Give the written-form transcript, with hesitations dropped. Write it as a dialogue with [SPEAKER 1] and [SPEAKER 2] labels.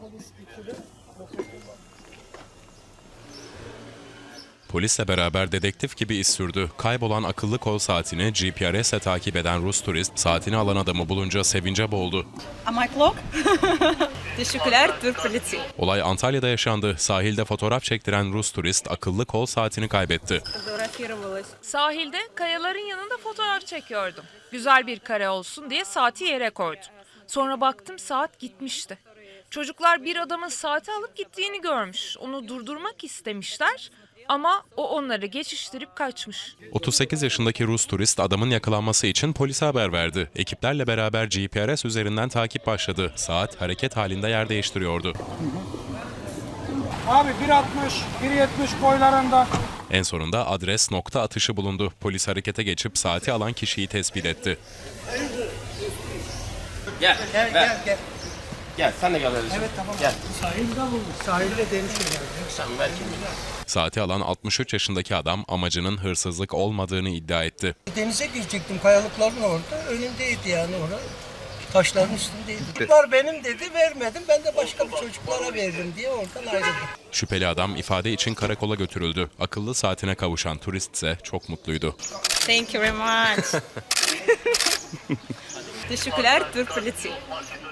[SPEAKER 1] Polisle beraber dedektif gibi iz sürdü. Kaybolan akıllı kol saatini GPS'le takip eden Rus turist saatini alan adamı bulunca sevince boğuldu.
[SPEAKER 2] My clock. Teşekkürler Türk polisi.
[SPEAKER 1] Olay Antalya'da yaşandı. Sahilde fotoğraf çektiren Rus turist akıllı kol saatini kaybetti.
[SPEAKER 3] Sahilde kayaların yanında fotoğraf çekiyordum. Güzel bir kare olsun diye saati yere koydum. Sonra baktım saat gitmişti. Çocuklar bir adamın saati alıp gittiğini görmüş. Onu durdurmak istemişler ama o onları geçiştirip kaçmış.
[SPEAKER 1] 38 yaşındaki Rus turist adamın yakalanması için polise haber verdi. Ekiplerle beraber GPS üzerinden takip başladı. Saat hareket halinde yer değiştiriyordu.
[SPEAKER 4] Abi 1.60, 1.70 boylarında.
[SPEAKER 1] En sonunda adres nokta atışı bulundu. Polis harekete geçip saati alan kişiyi tespit etti.
[SPEAKER 5] Gel. Gel sen de gel. Evet tamam. Gel.
[SPEAKER 4] Sahilde bulmuş. Sahilde deniz kenarı.
[SPEAKER 5] Sen ver kimliğini.
[SPEAKER 1] Saati alan 63 yaşındaki adam amacının hırsızlık olmadığını iddia etti.
[SPEAKER 6] Denize girecektim, kayalıkların orada. Önündeydi yani orada. Taşların üstündeydi. Çocuklar benim dedi, vermedim. Ben de başka bir çocuklara verdim diye oradan ayrıldım.
[SPEAKER 1] Şüpheli adam ifade için karakola götürüldü. Akıllı saatine kavuşan turist ise çok mutluydu.
[SPEAKER 2] Thank you very much. Teşekkürler Türk polisi.